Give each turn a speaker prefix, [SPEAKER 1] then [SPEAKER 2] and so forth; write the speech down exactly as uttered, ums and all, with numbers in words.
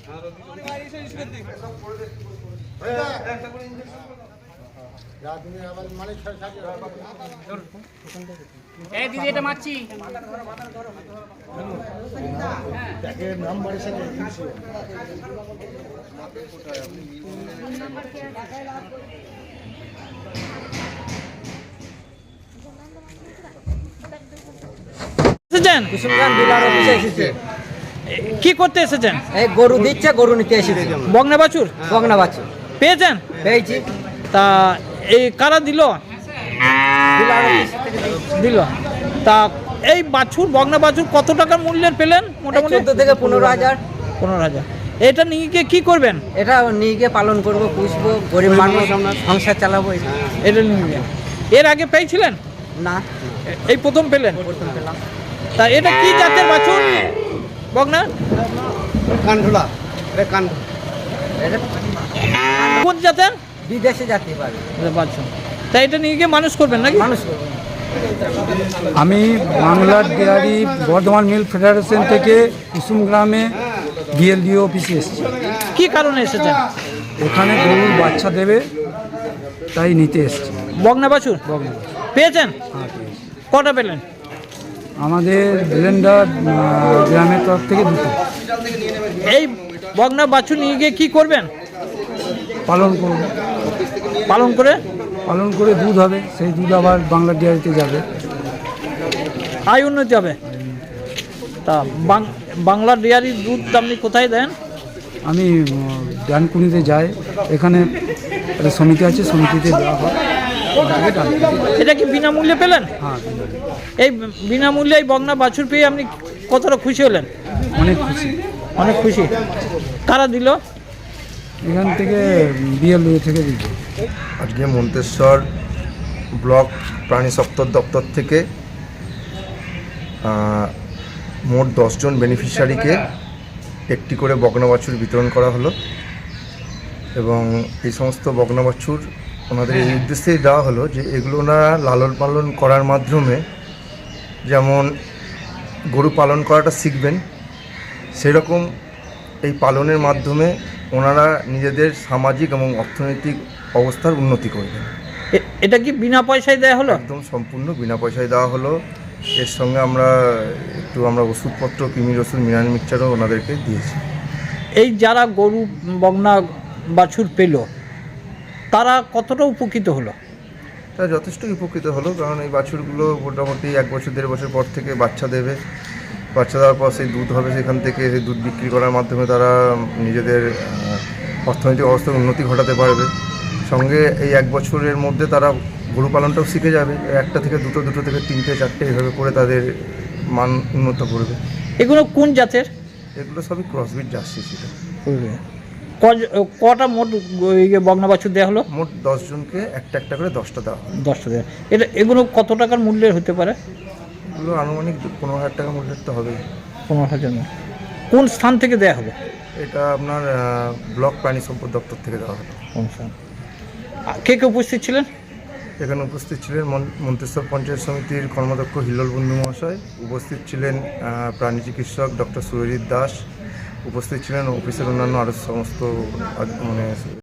[SPEAKER 1] এই দিদি এটা মারছি
[SPEAKER 2] কি করতে এসেছেন?
[SPEAKER 3] এই গরু দিচ্ছে, গরু নিতে এসেছে।
[SPEAKER 2] বগনা বাছুর?
[SPEAKER 3] বগনা বাছুর
[SPEAKER 2] পেয়েছেন?
[SPEAKER 3] পেয়েছি।
[SPEAKER 2] তা এই কারা দিল? দিল। তা এই বাছুর, বগনা বাছুর কত টাকার মূল্যের পেলেন? মোটামুটি
[SPEAKER 3] চোদ্দ থেকে পনেরো হাজার।
[SPEAKER 2] পনেরো হাজার। এটা নিয়ে গিয়ে কি করবেন?
[SPEAKER 3] এটা নিয়ে গিয়ে পালন করবো, পুষবো, গরিব মানুষ সংসার চালাবো।
[SPEAKER 2] এটা নিয়ে গিয়ে এর আগে পেয়েছিলেন?
[SPEAKER 3] না,
[SPEAKER 2] এই প্রথম পেলেন?
[SPEAKER 3] প্রথম পেলাম।
[SPEAKER 2] তা এটা কি জাতের বাছুর? বগনা
[SPEAKER 4] কানঢোলা। কান
[SPEAKER 2] কোন জাতের?
[SPEAKER 3] বিদেশে যেতে পারে
[SPEAKER 2] বাছুর। তা এটা নিয়ে গিয়ে মানুষ করবেন নাকি?
[SPEAKER 3] মানুষ করবো।
[SPEAKER 5] আমি বাংলার ডেয়ারি বর্ধমান মিল ফেডারেশন থেকে কুসুম গ্রামে বিএলডিও অফিসে এসেছি।
[SPEAKER 2] কি কারণে এসেছেন?
[SPEAKER 5] ওখানে গরুর বাচ্চা দেবে, তাই নিতে এসেছি।
[SPEAKER 2] বগনা বাছুর পেয়েছেন? কটা পেলেন?
[SPEAKER 5] আমাদের ব্লেন্ডার গ্রামের তরফ থেকে দুটো।
[SPEAKER 2] এই বগনা বাছুর নিয়ে গিয়ে কি করবেন?
[SPEAKER 5] পালন করব।
[SPEAKER 2] পালন করে
[SPEAKER 5] পালন করে দুধ হবে, সেই দুধ আবার বাংলার ডেয়ারিতে যাবে,
[SPEAKER 2] আয় উন্নতি হবে। তা বাংলা ডেয়ারির দুধ আপনি কোথায় দেন?
[SPEAKER 5] আমি ডানকুনিতে যাই, এখানে একটা সমিতি আছে, সমিতিতে দেওয়া হয়।
[SPEAKER 2] এটা কি বিনামূল্যে পেলেন?
[SPEAKER 5] হ্যাঁ,
[SPEAKER 2] এই বিনামূল্যে এই বগনা বাছুর পেয়ে আপনি কতটা খুশি হলেন?
[SPEAKER 5] অনেক খুশি।
[SPEAKER 2] অনেক খুশি। কারা দিল?
[SPEAKER 5] এখান থেকে বিএলডিও থেকে দিল।
[SPEAKER 6] আজকে মন্তেশ্বর ব্লক প্রাণী সম্পদ দপ্তর থেকে মোট দশজন বেনিফিশিয়ারিকে একটি করে বগনা বাছুর বিতরণ করা হলো এবং এই সমস্ত বগনা বাছুর ওনাদের এই উদ্দেশ্যেই দেওয়া হলো যে এগুলো ওনারা লালন পালন করার মাধ্যমে যেমন গরু পালন করাটা শিখবেন, সেরকম এই পালনের মাধ্যমে ওনারা নিজেদের সামাজিক এবং অর্থনৈতিক অবস্থার উন্নতি করবেন।
[SPEAKER 2] এটা কি বিনা পয়সায় দেওয়া হলো?
[SPEAKER 6] একদম সম্পূর্ণ বিনা পয়সায় দেওয়া হলো। এর সঙ্গে আমরা একটু আমরা ওষুধপত্র, কৃমির ওষুধ, মিনারেল মিক্সচারও ওনাদেরকে দিয়েছি।
[SPEAKER 2] এই যারা গরু বগনা বাছুর পেল তারা কতটা উপকৃত হলো?
[SPEAKER 6] তারা যথেষ্ট উপকৃত হলো, কারণ এই বাছুরগুলো মোটামুটি এক বছর দেড় বছর পর থেকে বাচ্চা দেবে। বাচ্চা দেওয়ার পর সেই দুধ হবে, সেখান থেকে সেই দুধ বিক্রি করার মাধ্যমে তারা নিজেদের অর্থনৈতিক অবস্থার উন্নতি ঘটাতে পারবে। সঙ্গে এই এক বছরের মধ্যে তারা গরু পালনটাও শিখে যাবে, একটা থেকে দুটো, দুটো থেকে তিনটে, চারটে এভাবে করে তাদের মান উন্নত করবে।
[SPEAKER 2] এগুলো কোন জাতের?
[SPEAKER 6] এগুলো সবই ক্রসবিট জার্সি ছিল।
[SPEAKER 2] কটা মোট বগনা বাছুর দেওয়া হলো?
[SPEAKER 6] মোট দশজনকে একটা একটা করে দশটা দেওয়া হলো।
[SPEAKER 2] দশটা দেওয়া। এটা এগুলো কত টাকার মূল্যের হতে পারে?
[SPEAKER 6] এগুলো আনুমানিক পনেরো হাজার টাকা মূল্যের তো হবেই।
[SPEAKER 2] পনেরো হাজার। কোন স্থান থেকে দেওয়া হবে?
[SPEAKER 6] এটা আপনার ব্লক প্রাণী সম্পদ দপ্তর থেকে দেওয়া হলো।
[SPEAKER 2] কোন স্থান? কে কে উপস্থিত ছিলেন?
[SPEAKER 6] এখানে উপস্থিত ছিলেন মন্তেশ্বর পঞ্চায়েত সমিতির কর্মদক্ষ হিল্লোল বন্ধু মহাশয়, উপস্থিত ছিলেন প্রাণী চিকিৎসক ডক্টর সুরজিৎ দাস, উপস্থিত ছিলেন অফিসের অন্যান্য আরও সমস্ত মানে